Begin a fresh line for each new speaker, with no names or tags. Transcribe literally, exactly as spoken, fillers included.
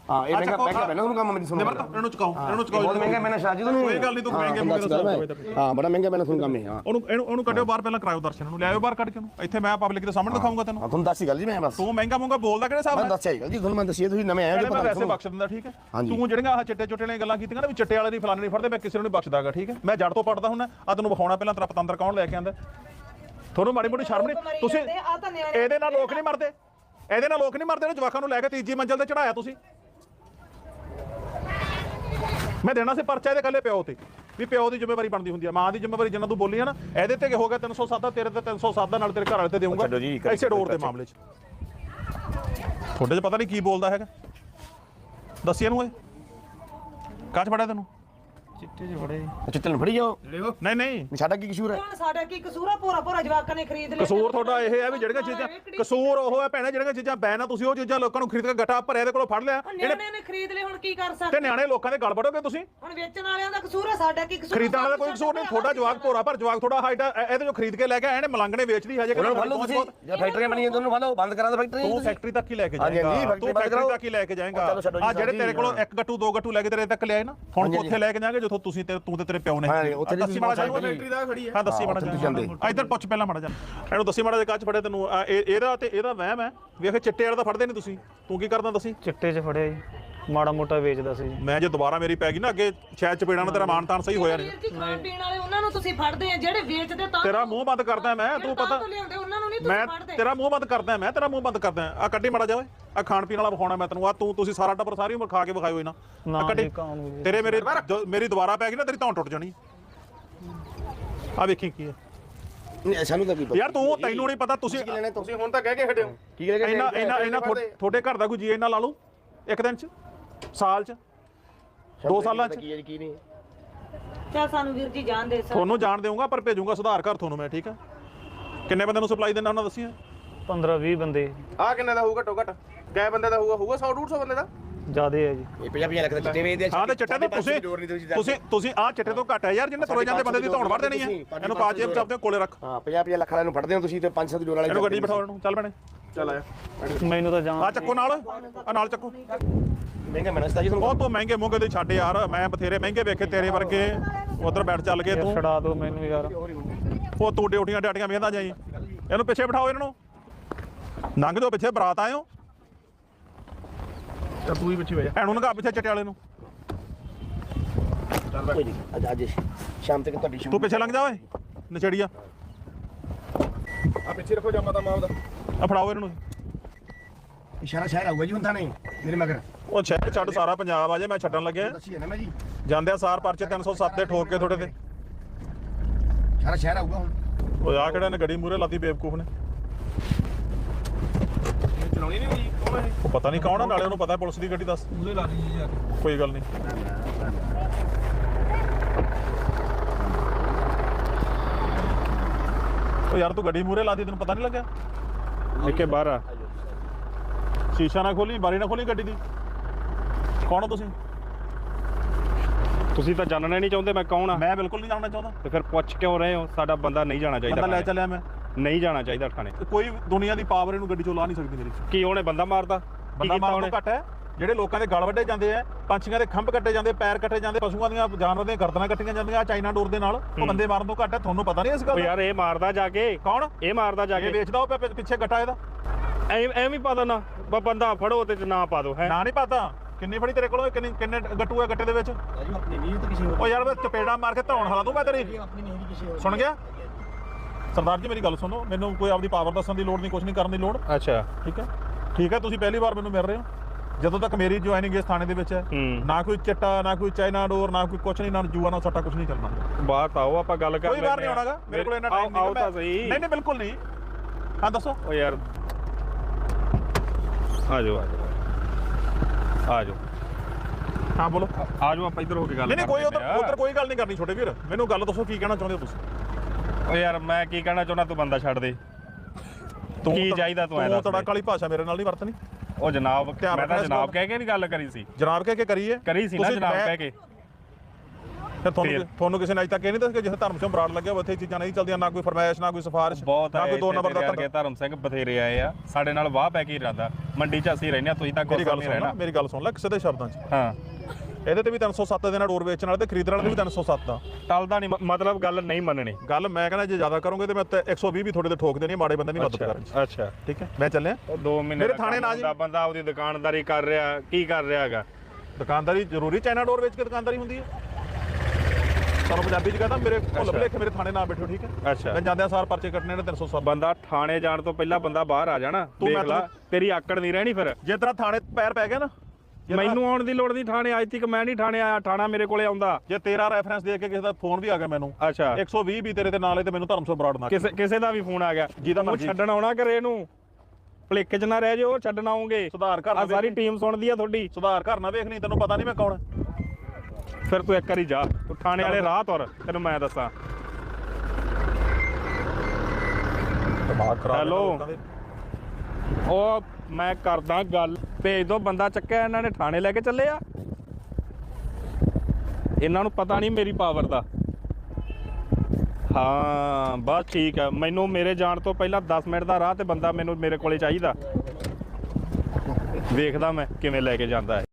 ਹਾਂ ਇਹ ਮਹਿੰਗਾ ਮਹਿੰਗਾ ਪੈਣਾ ਤੁਹਾਨੂੰ ਕੰਮ ਮੇਰੀ ਸੁਣੋ
ਇਹਨੂੰ ਚੁਕਾਓ ਇਹਨੂੰ ਚੁਕਾਓ
ਬਹੁਤ ਮਹਿੰਗਾ ਪੈਣਾ ਸ਼ਾਹ ਜੀ ਤੁਹਾਨੂੰ
ਕੋਈ ਗੱਲ ਨਹੀਂ ਤੂੰ ਮਹਿੰਗੇ ਮਹਿੰਗੇ
ਹਾਂ ਬੜਾ ਮਹਿੰਗਾ ਪੈਣਾ ਤੁਹਾਨੂੰ ਕੰਮ ਹੈ ਹਾਂ
ਉਹਨੂੰ ਇਹਨੂੰ ਉਹਨੂੰ ਕੱਢਿਓ ਬਾਹਰ ਪਹਿਲਾਂ ਕਰਾਇਓ ਦਰਸ਼ਨ ਨੂੰ ਲਿਆਇਓ ਬਾਹਰ ਕੱਢ ਕੇ ਉਹਨੂੰ ਇੱਥੇ ਮੈਂ ਪਬਲਿਕ ਦੇ ਸਾਹਮਣੇ ਦਿਖਾਉਂਗਾ ਤੈਨੂੰ
ਤੁਹਾਨੂੰ ਦੱਸੀ ਗੱਲ ਜੀ ਮੈਂ ਬਸ
ਤੂੰ ਮਹਿੰਗਾ ਮਹਿੰਗਾ ਬੋਲਦਾ ਕਿਹੜੇ ਹਿਸਾਬ
ਮੈਂ
ਨਾਲ
ਦੱਸਿਆ ਗੱਲ ਜੀ ਤੁਹਾਨੂੰ ਮੈਂ ਦੱਸਿਆ ਤੁਸੀਂ ਨਵੇਂ ਆਏ ਹੋ
ਮੈਂ ਵੈਸੇ ਬਖਸ਼ ਦਿੰਦਾ ਠੀਕ ਹੈ ਤੂੰ ਜਿਹੜੀਆਂ ਆਹ ਚਿੱਟੇ ਚੁੱਟੇ ਵਾਲੀਆਂ ਗੱਲਾਂ ਕੀਤੀਆਂ ਨਾ ਵੀ ਚਿੱਟੇ ਵਾਲੇ ਦੀ ਫਲਾਣੇ ਨਹੀਂ ਫੜਦੇ ਮੈਂ ਕਿਸੇ ਨੂੰ ਨਹੀਂ ਬਖਸ਼ਦਾਗਾ ਠੀਕ ਹੈ ਮੈਂ ਜੜ ਤੋਂ ਪੜਦਾ ਹੁੰਦਾ ਆ ਤੈਨੂੰ ਵਿਖਾਉਣਾ ਪਹਿਲਾਂ ਤੇਰਾ ਪਤੰਦਰ ਕੌਣ ਲੈ ਕੇ ਆਂਦਾ ਤੁਹਾਨੂੰ ਮਾੜੀ ਮੋਟੀ ਸ਼ਰਮ ਨਹੀਂ ਤੁਸੀਂ ਇਹਦੇ ਨਾਲ ਲੋਕ ਨਹੀਂ ਮਰਦੇ ਇਹਦੇ ਨਾਲ ਲੋਕ ਨਹੀਂ ਮਰਦੇ ਇਹਨੂੰ ਜਵਾਕਾਂ ਨੂੰ ਲੈ ਕੇ ਤੀਜੀ ਮੰਜ਼ਲ ਤੇ ਚੜਾਇਆ ਤੁਸੀਂ ਮੈਂ ਦੇਣਾ ਸੀ ਪਰਚਾ ਇਹਦੇ ਕੱਲੇ ਪਿਓ ਤੇ ਵੀ ਪਿਓ ਦੀ ਜ਼ਿੰਮੇਵਾਰੀ ਬਣਦੀ ਹੁੰਦੀ ਆ ਮਾਂ ਦੀ ਜ਼ਿੰਮੇਵਾਰੀ ਜਿੰਨਾ ਤੂੰ ਬੋਲੀ ਆ ਨਾ ਇਹਦੇ ਤੇ ਹੋ ਗਿਆ ਤਿੰਨ ਸੌ ਸੱਤ ਦਾ ਤੇਰੇ ਤੇ ਤਿੰਨ ਸੌ ਸੱਤ ਦਾ ਨਾਲ ਤੇਰੇ ਘਰ ਵਾਲੇ ਤੇ ਦੇਊਂਗਾ ਐਸੇ ਡੋਰ ਦੇ ਮਾਮਲੇ 'ਚ ਤੁਹਾਡੇ 'ਚ ਪਤਾ ਨਹੀਂ ਕੀ ਬੋਲਦਾ ਹੈਗਾ ਦੱਸੀ ਇਹਨੂੰ ਇਹ ਕਾਚ ਫੜਿਆ ਤੈਨੂੰ
ਚਿੱਟੇ ਚ ਫੜੇ
ਚਿੱਟੇ ਨੂੰ ਫੜੀ ਜਾਓ
ਨਹੀਂ ਨਹੀਂ
ਸਾਡਾ ਕੀ ਕਸੂਰ ਹੈ
ਸਾਡਾ ਕੀ ਕਸੂਰ ਆ ਪੂਰਾ ਪੂਰਾ ਜਵਾਕਾਂ ਨੇ ਖਰੀਦ ਲਿਆ
ਕਸੂਰ ਤੁਹਾਡਾ ਇਹ ਹੈ ਵੀ ਜਿਹੜੀਆਂ ਚੀਜ਼ਾਂ ਕਸੂਰ ਉਹ ਹੈ ਭੈਣੇ ਜਿਹੜੀਆਂ ਚੀਜ਼ਾਂ ਬੈਨ ਆ ਤੁਸੀਂ ਉਹ ਚੀਜ਼ਾਂ ਲੋਕਾਂ ਨੂੰ ਖਰੀਦ ਕੇ ਗੱਟਾ ਭਰਿਆ ਇਹਦੇ ਕੋਲੋਂ ਫੜ ਲਿਆ
ਨਿਆਣੇ ਨੇ ਖਰੀਦ ਲਏ ਹੁਣ ਕੀ ਕਰ ਸਕਦੇ
ਤੇ ਨਿਆਣੇ ਲੋਕਾਂ ਦੇ ਗਲ ਵੜੋਗੇ ਤੁਸੀਂ
ਹੁਣ ਵੇਚਣ ਵਾਲਿਆਂ ਦਾ ਕਸੂਰ ਆ ਸਾਡਾ ਕੀ ਕਸੂਰ
ਖਰੀਦਣ ਵਾਲਾ ਕੋਈ ਕਸੂਰ ਨਹੀਂ ਤੁਹਾਡਾ ਜਵਾਕ ਭੋਰਾ ਪਰ ਜਵਾਕ ਥੋੜਾ ਹਾਈਟ ਇਹਦੇ ਜੋ ਖਰੀਦ ਕੇ ਲੈ ਕੇ ਆਏ ਨੇ ਮਲੰਗਣੇ ਵੇਚਦੀ ਹਜੇ
ਉਹਨਾਂ ਨੂੰ ਫੜ ਲਓ ਤੁਸੀਂ ਜੇ ਫੈਕਟਰੀਆਂ ਬਣੀਆਂ ਤੁਹਾਨੂੰ ਫੜ ਲਓ ਬੰਦ ਕਰਾ ਦਿਓ ਫੈਕਟਰੀ
ਤੂੰ ਫੈਕਟਰੀ ਤੱਕ ਹੀ ਲੈ ਕੇ ਜਾਏਗਾ ਤੂੰ ਫੈਕਟਰੀ ਤੱਕ ਹੀ ਲੈ ਕੇ ਜਾਏਗਾ ਆ ਜਿਹੜੇ ਤੇਰੇ ਕੋਲੋਂ ਇੱਕ ਗੱਟੂ ਦੋ ਗੱਟੂ ਲੈ ਕੇ ਤੇਰੇ ਤੱਕ ਲਿਆਏ ਨਾ ਹੁਣ ਉੱਥੇ ਲੈ ਕੇ ਜਾਗੇ ਜਿੱਥੋਂ ਤੁਸੀਂ ਤੂੰ ਤੇ ਤੇਰੇ ਪਿਓ ਨੇ ਦੱਸੀ ਮਾੜਾ ਜਾ ਫੈਕਟਰੀ ਦਾ ਖੜੀ ਹੈ ਹਾਂ ਦੱਸੀ ਮਾੜਾ ਜਾ ਇੱਧਰ ਪੁੱਛ ਪਹਿਲਾਂ ਮਾੜਾ ਜਾ ਇਹਨੂੰ ਦੱਸੀ ਮਾੜਾ ਜਾ ਕੱਚ ਫੜੇ ਤੈਨੂੰ ਇਹਦਾ ਤੇ ਇਹਦਾ ਵਹਿਮ ਹੈ ਵੇਖ ਚਿੱਟੇ ਵਾਲਾ ਤਾਂ ਫੜਦੇ ਨਹੀਂ ਤੁਸੀਂ ਤੂੰ ਕੀ ਕਰਦਾ ਦੱਸੀ
ਚਿੱਟੇ ਚ ਫੜਿਆ ਜੀ ਮਾੜਾ ਮੋਟਾ ਵੇਚਦਾ ਸੀ
ਮੈਂ ਜੇ ਦੁਬਾਰਾ ਮੇਰੀ ਪੈ ਗਈ ਨਾ ਅੱਗੇ ਸ਼ਾਇਦ ਚਪੇੜਾਂ ਨਾਲ ਤੇਰਾ ਮਾਨ ਤਾਨ ਸਹੀ ਹੋਇਆ ਨਹੀਂ
ਖਾਣ ਪੀਣ ਵਾਲੇ ਉਹਨਾਂ ਨੂੰ ਤੁਸੀਂ ਫੜਦੇ ਆ ਜਿਹੜੇ ਵੇਚਦੇ ਤਾਂ
ਤੇਰਾ ਮੂੰਹ ਬੰਦ ਕਰਦਾ ਮੈਂ ਤੂੰ ਪਤਾ
ਉਹਨਾਂ ਨੂੰ ਨਹੀਂ ਤੁਸੀਂ
ਮੈਂ
ਫੜਦੇ
ਤੇਰਾ ਮੂੰਹ ਬੰਦ ਕਰਦਾ ਮੈਂ ਤੇਰਾ ਮੂੰਹ ਬੰਦ ਕਰਦਾ ਆ ਕੱਢੀ ਮਾੜਾ ਜਾਵੇ ਆ ਖਾਣ ਪੀਣ ਵਾਲਾ ਵਿਖਾਉਣਾ ਮੈਂ ਤੈਨੂੰ ਆ ਤੂੰ ਤੁਸੀਂ ਸਾਰਾ ਟੱਬਰ ਸਾਰੀ ਉਮਰ ਖਾ ਕੇ ਵਿਖਾਇਓ ਇਹਨਾਂ ਆ ਕੱਢੀ ਤੇਰੇ ਮੇਰੇ ਮੇਰੀ ਦੁਬਾਰਾ ਪੈ ਗਈ ਨਾ ਤੇਰੀ ਧੌਣ ਟੁੱਟ ਜਾਣੀ ਆ ਵੇਖੀ ਕੀ ਹੈ
ਨਹੀਂ ਸਾਨੂੰ ਤਾਂ ਕੀ ਪਤਾ
ਯਾਰ ਤੂੰ ਤੈਨੂੰ ਨਹੀਂ ਪਤਾ ਤੁਸੀਂ
ਤੁਸੀਂ ਹੁਣ ਤਾਂ ਕਹਿ ਕੇ ਹਟਿਓ ਕੀ ਕਹਿ ਕੇ
ਇਹਨਾਂ ਇਹਨਾਂ ਇਹਨਾਂ ਤੁਹਾਡੇ ਘਰ ਦਾ ਕੋਈ ਜੀ ਇਹਨਾਂ ਲਾ ਲਓ ਇੱਕ ਦਿਨ ਚ ਸਾਲ ਚ ਦੋ ਸਾਲਾਂ ਚ
ਕੀ ਕੀ ਨਹੀਂ
ਚੱਲ ਸਾਨੂੰ ਵੀਰ ਜੀ ਜਾਣ ਦੇ
ਤੁਹਾਨੂੰ ਜਾਣ ਦੇਵਾਂਗਾ ਪਰ ਭੇਜੂਗਾ ਸੁਧਾਰ ਘਰ ਤੁਹਾਨੂੰ ਮੈਂ ਠੀਕ ਹੈ ਕਿੰਨੇ ਬੰਦੇ ਨੂੰ ਸਪਲਾਈ ਦੇਣਾ ਉਹਨਾਂ ਦੱਸਿਆ
ਪੰਦਰਾਂ ਵੀਹ ਬੰਦੇ
ਆ ਕਿੰਨੇ ਦਾ ਹੋਊਗਾ ਘੱਟੋ ਘੱਟ ਗਏ ਬੰਦੇ ਦਾ ਹੋਊਗਾ ਹੋਊਗਾ ਸੌ ਡੇਢ ਸੌ ਬੰਦੇ ਦਾ
ਜਿਆਦੇ ਹੈ ਜੀ
ਇਹ ਪੰਜਾਹ ਪੰਜਾਹ ਲੱਖ ਦੇ ਚਿੱਟੇ ਵੇਚਦੇ
ਹਾਂ ਤੇ ਚਿੱਟੇ ਤੋਂ ਤੁਸੀਂ ਤੁਸੀਂ ਤੁਸੀਂ ਆਹ ਚਿੱਟੇ ਤੋਂ ਘੱਟ ਹੈ ਯਾਰ ਜਿੰਨੇ ਤੁਰੇ ਜਾਂਦੇ ਬੰਦੇ ਦੀ ਧੌਣ ਵੜ ਦੇਣੀ ਹੈ ਇਹਨੂੰ ਪਾ ਜੇਬ ਚ ਆਪਣੇ ਕੋਲੇ ਰੱਖ
ਹਾਂ ਪੰਜਾਹ ਪੰਜਾਹ ਲੱਖ ਵਾਲੇ ਨੂੰ ਫੜਦੇ ਹੋ ਤੁਸੀਂ ਤੇ ਪੰਜ ਸੱਤ ਡੋਰ ਵਾਲੇ
ਇਹਨੂੰ ਗੱਡੀ ਬਿਠਾਓ ਇਹਨੂੰ ਚੱਲ ਪੈਣੇ
ਚੱਲ ਆਇਆ
ਮੈਨੂੰ ਤਾਂ ਜਾਣ
ਆ ਚੱਕੋ ਨਾਲ ਆ ਨਾਲ ਚੱਕੋ
ਮਹਿੰਗਾ ਮੈਨਾਂ ਸਤਾ ਜੀ ਤੁਹਾਨੂੰ
ਉਹ ਤੂੰ ਮਹਿੰਗੇ ਮੂੰਗੇ ਦੇ ਛੱਡ ਯਾਰ ਮੈਂ ਬਥੇਰੇ ਮਹਿੰਗੇ ਵੇਖੇ ਤੇਰੇ ਵਰਗੇ ਉਧਰ ਬੈਠ ਚੱਲ ਗਏ ਤੂੰ
ਛੜਾ ਦੋ ਮੈਨੂੰ ਯਾਰ
ਉਹ ਤੂੰ ਡਿਊਟੀਆਂ ਡਾਟੀਆਂ ਵੇਖਦਾ ਜਾਈ ਇਹਨੂੰ ਪਿੱਛੇ ਬਿਠਾਓ ਇਹਨਾਂ ਨੂੰ ਲੰਘ ਜਾਓ ਪਿੱਛੇ ਬਰਾਤ ਆਇਓ
ਤਾਂ ਤੂੰ ਹੀ ਪਿੱਛੇ ਬਹਿ ਜਾ
ਇਹਨੂੰ ਲੰਘਾ ਪਿੱਛੇ ਚਿੱਟੇ ਵਾਲੇ ਨੂੰ
ਕੋਈ ਨਹੀਂ ਅੱਜ ਅੱਜ ਸ਼ਾਮ ਤੱਕ ਤੁਹਾਡੀ
ਤੂੰ ਪਿੱਛੇ ਲੰਘ ਜਾ ਓਏ ਨਚੜੀਆ
ਆ ਪਿੱਛੇ ਰੱਖੋ ਜਮਾ ਦਾ ਮਾਂ ਦਾ
ਆ ਫੜਾਓ ਇਹਨਾਂ ਨੂੰ
ਇਸ਼ਾਰਾ ਸ਼ਹਿਰ ਆਊਗਾ ਜੀ ਹੁੰਦਾ ਨਹੀਂ ਮੇਰੇ ਮਗਰ
ਉਹ ਸ਼ਹਿਰ ਛੱਡ ਸਾਰਾ ਪੰਜਾਬ ਆ ਜੇ ਮੈਂ ਛੱਡਣ ਲੱਗਿਆ
ਦੱਸੀ ਨਾ ਮੈਂ ਜੀ
ਜਾਂਦੇ ਆ ਸਾਰ ਪਰਚੇ ਤਿੰਨ ਸੌ ਸੱਤ ਦੇ ਠੋਕ ਕੇ ਥੋੜੇ ਤੇ
ਸਾਰਾ ਸ਼ਹਿਰ ਆਊਗਾ ਹੁਣ
ਉਹ ਆ ਕਿਹੜਾ ਨੇ ਗੱਡੀ ਮੂਰੇ ਲਾਤੀ ਬੇਵਕੂਫ ਨੇ
ਚਲਾਉਣੀ ਨਹੀਂ ਹੋਈ ਕੌਣ ਹੈ
ਉਹ ਪਤਾ ਨਹੀਂ ਕੌਣ ਆ ਨਾਲੇ ਉਹਨੂੰ ਪਤਾ ਪੁਲਿਸ ਦੀ ਗੱਡੀ ਦੱਸ
ਮੂਰੇ ਲਾ ਦੀ ਯਾਰ
ਕੋਈ ਗੱਲ ਨਹੀਂ ਉਹ ਯਾਰ ਤੂੰ ਗੱਡੀ ਮੂਰੇ ਲਾਤੀ ਤੈਨੂੰ ਪਤਾ ਨਹੀਂ ਲੱਗਿਆ ਨਿੱਕੇ ਬਾਹਰ ਆ ਸ਼ੀਸ਼ਾ ਨਾ ਖੋਲੀ ਬਾਰੀ ਨਾ ਖੋਲੀ ਗੱਡੀ ਦੀ ਕੌਣ ਹੋ ਤੁਸੀਂ
ਤੁਸੀਂ ਤਾਂ ਜਾਣਨਾ ਨਹੀਂ ਚਾਹੁੰਦੇ ਮੈਂ ਕੌਣ ਆ
ਮੈਂ ਬਿਲਕੁਲ ਨਹੀਂ ਜਾਣਨਾ ਚਾਹੁੰਦਾ
ਤੇ ਫਿਰ ਪੁੱਛ ਕਿਉਂ ਰਹੇ ਹੋ ਸਾਡਾ ਬੰਦਾ ਨਹੀਂ ਜਾਣਾ ਚਾਹੀਦਾ
ਬੰਦਾ ਲੈ ਚੱਲਿਆ ਮੈਂ
ਨਹੀਂ ਜਾਣਾ ਚਾਹੀਦਾ ਥਾਣੇ
ਕੋਈ ਦੁਨੀਆ ਦੀ ਪਾਵਰ ਇਹਨੂੰ ਗੱਡੀ ਚੋਂ ਲਾ ਨਹੀਂ ਸਕਦੀ ਮੇਰੀ
ਕੀ ਉਹਨੇ ਬੰਦਾ ਮਾਰਦਾ
ਬੰਦਾ ਮਾਰਨ ਤੋਂ ਘੱਟ ਹੈ ਜਿਹੜੇ ਲੋਕਾਂ ਦੇ ਗਲ ਵੱਢੇ ਜਾਂਦੇ ਆ ਪੰਛੀਆਂ ਦੇ ਖੰਭ ਕੱਟੇ ਜਾਂਦੇ ਪੈਰ ਕੱਟੇ ਜਾਂਦੇ ਪਸ਼ੂਆਂ ਦੀਆਂ ਜਾਨਵਰਾਂ ਦੀਆਂ ਗਰਦਨਾਂ ਕੱਟੀਆਂ ਜਾਂਦੀਆਂ ਚਾਈਨਾ ਡੋਰ ਦੇ ਨਾਲ ਉਹ ਬੰਦੇ ਮਾਰਨ ਤੋਂ ਘੱਟ ਹੈ ਤੁਹਾਨੂੰ ਪਤਾ ਨਹੀਂ ਇਸ ਗੱਲ
ਦਾ ਯਾਰ ਇਹ ਮਾਰਦਾ ਜਾ ਕੇ
ਕੌਣ
ਇਹ ਮਾਰਦਾ ਜਾ
ਇਹ
ਕੇ
ਵੇਚਦਾ ਉਹ ਪਿੱਛੇ ਗੱਟਾ ਇਹਦਾ
ਐਵੇਂ ਹੀ ਪਾ ਦੋ ਨਾ ਬੰਦਾ ਫੜੋ ਤੇ ਨਾ ਪਾ ਦੋ ਹੈ
ਨਾ ਨਹੀਂ ਪਤਾ ਕਿੰਨੀ ਫੜੀ ਤੇਰੇ ਕੋਲੋਂ ਕਿੰਨੀ ਕਿੰਨੇ ਗੱਟੂ ਆ ਗੱਟੇ ਦੇ ਵਿੱਚ
ਆਪਣੀ ਨਹੀਂ ਤਾਂ ਕਿਸੇ
ਉਹ ਯਾਰ ਮੈਂ ਚਪੇੜਾ ਮਾਰ ਕੇ ਧੌਣ ਹਲਾ ਦੂੰ ਮੈਂ ਤੇਰੀ
ਆਪਣੀ ਨਹੀਂ ਕਿਸੇ
ਸੁਣ ਗਿਆ ਸਰਦਾਰ ਜੀ ਮੇਰੀ ਗੱਲ ਸੁਣੋ ਮੈਨੂੰ ਕੋਈ ਆਪਦੀ ਪਾਵਰ ਦੱਸਣ ਦੀ ਲੋੜ ਨਹੀਂ ਕੁਝ ਨਹੀਂ ਕਰਨ ਦੀ ਲੋੜ
ਅੱਛਾ
ਠੀਕ ਹੈ ਠੀਕ ਹੈ ਤੁਸੀਂ ਪਹਿਲੀ ਵਾਰ ਮੈਨੂੰ ਮਿਲ ਰਹੇ ਹੋ ਜਦੋਂ ਤੱਕ ਮੇਰੀ ਜੁਆਇਨਿੰਗ ਇਸ ਥਾਣੇ ਦੇ ਵਿੱਚ ਹੈ ਨਾ ਕੋਈ ਚਿੱਟਾ ਨਾ ਕੋਈ ਚਾਈਨਾ ਡੋਰ ਨਾ ਕੋਈ ਕੁਛ ਨਹੀਂ ਨਾ ਜੂਆ ਨਾ ਸੱਟਾ ਕੁਛ ਨਹੀਂ ਕਰਨਾ
ਬਾਹਰ ਆਓ ਆਪਾਂ ਗੱਲ ਕਰ
ਕੋਈ ਬਾਹਰ ਨਹੀਂ ਆਉਣਾਗਾ ਮੇਰੇ ਕੋਲ ਇੰਨਾ ਟਾਈਮ ਨਹੀਂ
ਆਓ ਤਾਂ ਸਹੀ
ਨਹੀਂ ਨਹੀਂ ਬਿਲਕੁਲ ਨਹੀਂ ਹਾਂ ਦੱਸੋ
ਓ ਯਾਰ ਆ ਜਾਓ ਆ ਜਾਓ
ਹਾਂ ਬੋਲੋ
ਆ ਜਾਓ ਆਪਾਂ ਇੱਧਰ ਹੋ ਕੇ ਗੱਲ
ਨਹੀਂ ਨਹੀਂ ਕੋਈ ਉਧਰ ਉਧਰ ਕੋਈ ਗੱਲ ਨਹੀਂ ਕਰਨੀ ਛੋਟੇ ਵੀਰ ਮੈਨੂੰ ਗੱਲ ਦੱਸੋ ਕੀ ਕਹਿਣਾ ਚਾਹੁੰਦੇ ਹੋ ਤੁਸੀਂ
ਓ ਯਾਰ ਮੈਂ ਕੀ ਕਹਿਣਾ ਚਾਹੁੰਦਾ ਤੂੰ ਬੰਦਾ ਛੱਡ ਦੇ ਤੂੰ ਕੀ ਚਾਹੀਦਾ ਤੂੰ ਐ ਦੱਸ
ਤੂੰ ਤੜਕ ਵਾਲੀ ਭਾਸ਼ਾ ਮੇਰੇ ਨਾਲ ਨਹੀਂ ਵਰਤਣੀ
ਉਹ ਜਨਾਬ ਮੈਂ ਤਾਂ ਜਨਾਬ ਕਹਿ ਕੇ ਨਹੀਂ ਗੱਲ ਕਰੀ ਸੀ
ਜਨਾਬ ਕਹਿ ਕੇ ਕਰੀਏ
ਕਰੀ ਸੀ ਨਾ ਜਨਾਬ ਕਹਿ ਕੇ
ਫਿਰ ਤੁਹਾਨੂੰ ਤੁਹਾਨੂੰ ਕਿਸੇ ਨੇ ਅਜ ਤੱਕ ਇਹ ਨਹੀਂ ਦੱਸਿਆ ਕਿ ਜਿੱਥੇ ਧਰਮ ਸਿੰਘ ਬਰਾੜ ਲੱਗਿਆ ਉੱਥੇ ਚੀਜ਼ਾਂ ਨਹੀਂ ਚੱਲਦੀਆਂ, ਨਾ ਕੋਈ ਫਰਮਾਇਸ਼, ਨਾ ਕੋਈ ਸਿਫਾਰਿਸ਼,
ਬਹੁਤ
ਨਾ ਕੋਈ ਦੋ ਨੰਬਰ ਦਾ
ਕਰਕੇ ਧਰਮ ਸਿੰਘ ਬਥੇਰੇ ਆਏ ਆ ਸਾਡੇ ਨਾਲ ਵਾਹ ਪੈ ਕੇ ਇਰਾਦਾ ਮੰਡੀ 'ਚ ਅਸੀਂ ਰਹਿੰਦੇ ਆ, ਤੁਸੀਂ ਤਾਂ
ਮੇਰੀ ਗੱਲ
ਨਹੀਂ
ਸੁਣ
ਰਹਿਣਾ।
ਮੇਰੀ ਗੱਲ ਸੁਣ ਲੈ ਕਿਸੇ ਦੇ ਸ਼ਬਦਾਂ 'ਚ
ਹਾਂ
ਇਹਦੇ ਤੇ ਵੀ ਤਿੰਨ ਸੌ ਸੱਤ ਦੇ ਨਾਲ ਡੋਰ ਵੇਚਣ ਵਾਲੇ ਤੇ ਖਰੀਦਣ ਵਾਲੇ ਵੀ ਤਿੰਨ ਸੌ ਸੱਤ ਦਾ
ਟਲਦਾ ਨਹੀਂ, ਮਤਲਬ ਗੱਲ ਨਹੀਂ ਮੰਨਣੀ।
ਗੱਲ ਮੈਂ ਕਹਿੰਦਾ ਜੇ ਜ਼ਿਆਦਾ ਕਰੋਗੇ ਤੇ ਮੈਂ ਇੱਕ ਸੌ ਵੀਹ ਵੀ ਤੁਹਾਡੇ ਤੇ ਠੋਕ ਦੇਣੀ, ਮਾੜੇ ਬੰਦੇ ਨਹੀਂ ਮਦਦ ਕਰਨ ਚ।
ਅੱਛਾ
ਠੀਕ ਹੈ, ਮੈਂ ਚੱਲਿਆ
ਉਹ ਦੋ ਮਹੀਨੇ
ਮੇਰੇ ਥਾਣੇ ਨਾ ਜੀ
ਦਾ ਬੰਦਾ ਆਪਦੀ ਦੁਕਾਨਦਾਰੀ ਕਰ ਰਿਹਾ, ਕੀ ਕਰ ਰਿਹਾ ਹੈਗਾ?
ਦੁਕਾਨਦਾਰੀ ਜ਼ਰੂਰੀ ਚਾਈਨਾ ਡੋਰ ਵੇਚ ਕੇ ਦੁਕਾਨਦਾਰੀ ਹੁੰਦੀ ਹੈ? ਤੁਹਾਨੂੰ ਪੰਜਾਬੀ ਚ ਕਹਿੰਦਾ ਮੇਰੇ ਭੁੱਲ ਭੁਲੇਖੇ ਮੇਰੇ ਥਾਣੇ ਨਾ ਬੈਠੋ। ਠੀਕ ਹੈ,
ਅੱਛਾ
ਮੈਂ ਜਾਂਦਿਆਂ ਸਾਰ ਪਰਚੇ ਕੱਟਣੇ ਨੇ ਤਿੰਨ ਸੌ ਸੱਤ।
ਬੰਦਾ ਥਾਣੇ ਜਾਣ ਤੋਂ ਪਹਿਲਾਂ ਬੰਦਾ ਬਾਹਰ ਆ ਜਾਣਾ,
ਤੂੰ
ਦੇਖ ਲੈ ਤੇਰੀ ਆਕੜ ਨਹੀਂ ਰਹਿਣੀ ਫਿਰ।
ਜੇ ਤੇਰਾ ਥਾਣੇ ਪੈਰ ਪੈ ਗਿਆ ਨਾ,
ਮੈਨੂੰ ਆਉਣ ਦੀ ਲੋੜ ਨਹੀਂ ਥਾਣੇ, ਅੱਜ ਤੱਕ ਮੈਂ ਨਹੀਂ ਥਾਣੇ ਆਇਆ, ਥਾਣਾ ਮੇਰੇ ਕੋਲੇ ਆਉਂਦਾ।
ਜੇ ਤੇਰਾ ਰੈਫਰੈਂਸ ਦੇ ਕੇ ਕਿਸੇ ਦਾ ਫੋਨ ਵੀ ਆ ਗਿਆ ਮੈਨੂੰ,
ਅੱਛਾ
ਇੱਕ ਸੌ ਵੀਹ ਵੀ ਤੇਰੇ ਤੇ ਨਾਲੇ ਤੇ ਮੈਨੂੰ ਧਰਮ ਸਿੰਘ ਬਰਾੜ ਨਾ
ਕਿਸੇ ਕਿਸੇ ਦਾ ਵੀ ਫੋਨ ਆ ਗਿਆ
ਜਿਹਦਾ
ਉਹ
ਮਰਜ਼ੀ
ਛੱਡਣ ਆਉਣਾ ਘਰੇ ਇਹਨੂੰ, ਭਲੇਖੇ 'ਚ ਨਾ ਰਹਿ ਜਾਓ, ਛੱਡਣ ਆਉਂਗੇ।
ਸੁਧਾਰ ਘਰ
ਆ ਸਾਰੀ ਟੀਮ ਸੁਣਦੀ ਆ ਤੁਹਾਡੀ।
ਸੁਧਾਰ ਘਰ ਨਾ ਵੇਖ, ਨਹੀਂ ਤੈਨੂੰ ਪਤਾ ਨਹੀਂ ਮੈਂ ਕੌਣ।
ਫਿਰ ਤੂੰ ਇੱਕ ਵਾਰੀ ਜਾ, ਤੂੰ ਥਾਣੇ ਵਾਲੇ ਰਾਹ ਤੁਰ, ਤੈਨੂੰ ਮੈਂ ਦੱਸਾਂ।
ਦਿਮਾਗ ਖਰਾਬ
ਹੈਲੋ, ਉਹ ਮੈਂ ਕਰਦਾ ਗੱਲ, ਭੇਜ ਦੋ ਬੰਦਾ ਚੱਕਿਆ, ਇਹਨਾਂ ਨੇ ਥਾਣੇ ਲੈ ਕੇ ਚੱਲੇ ਆ। ਇਹਨਾਂ ਨੂੰ ਪਤਾ ਨਹੀਂ ਮੇਰੀ ਪਾਵਰ ਦਾ। ਹਾਂ ਬਸ ਠੀਕ ਹੈ, ਮੈਨੂੰ ਮੇਰੇ ਜਾਣ ਤੋਂ ਪਹਿਲਾਂ ਦਸ ਮਿੰਟ ਦਾ ਰਾਹ ਤੇ ਬੰਦਾ ਮੈਨੂੰ ਮੇਰੇ ਕੋਲੇ ਚਾਹੀਦਾ, ਵੇਖਦਾ ਮੈਂ ਕਿਵੇਂ ਲੈ ਕੇ ਜਾਂਦਾ ਹੈ।